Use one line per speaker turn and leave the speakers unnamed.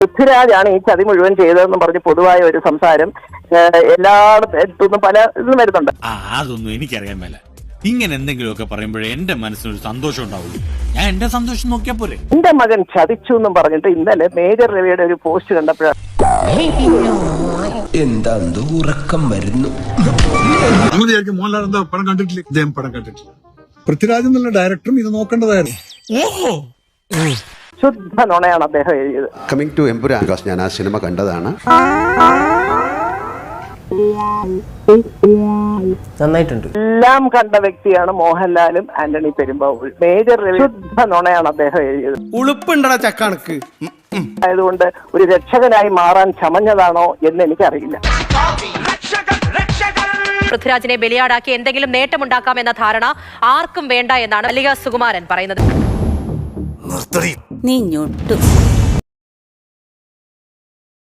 പൃഥ്വിരാജാണ് ഈ ചതി മുഴുവൻ ചെയ്തതെന്ന് പറഞ്ഞ് പൊതുവായ ഒരു സംസാരം എല്ലായിടത്തുനിന്നും പല ഇതും വരുന്നുണ്ട്.
അതൊന്നും എനിക്കറിയാൻ മേല. ഇങ്ങനെ എന്തെങ്കിലുമൊക്കെ പറയുമ്പോഴേ എന്റെ മനസ്സിനൊരു സന്തോഷം ഉണ്ടാവുള്ളൂ. ഞാൻ എന്റെ സന്തോഷം നോക്കിയാ പോരെ.
എന്റെ മകൻ ചതിച്ചു എന്നും പറഞ്ഞിട്ട് ഇന്നലെ മേജർ രവിയുടെ ഒരു പോസ്റ്റ് കണ്ടപ്പോഴാണ്
എന്താ ഉറക്കം വരുന്നു.
മോഹൻലാൽ എന്താ പടം കണ്ടിട്ടില്ല, ഇദ്ദേഹം പടം കണ്ടിട്ടില്ല. പൃഥ്വിരാജ് എന്നുള്ള ഡയറക്ടറും ഇത് നോക്കേണ്ടതായിരുന്നു.
ശുദ്ധ നുണയാണ് അദ്ദേഹം എഴുതിയത്.
കമ്മിങ് ടു എമ്പുരാൻ, ഞാൻ ആ സിനിമ കണ്ടതാണ്.
നന്നായിട്ടുണ്ട്.
എല്ലാം കണ്ട വ്യക്തിയാണ് മോഹൻലാലും ആന്റണി പെരുമ്പാവൂർ. മേജർ രവി ശുദ്ധ നുണയാണ് അദ്ദേഹം എഴുതിയത്.
ഉളുപ്പുണ്ടടാ ചക്കണക്ക്.
ആയതുകൊണ്ട് ഒരു രക്ഷകനായി മാറാൻ ചമഞ്ഞതാണോ എന്ന് എനിക്കറിയില്ല.
പൃഥ്വിരാജിനെ ബലിയാടാക്കി എന്തെങ്കിലും നേട്ടമുണ്ടാക്കാമെന്ന ധാരണ ആർക്കും വേണ്ട എന്നാണ് മല്ലിക സുകുമാരൻ പറയുന്നത്.
നീ ഞൊട്ടു.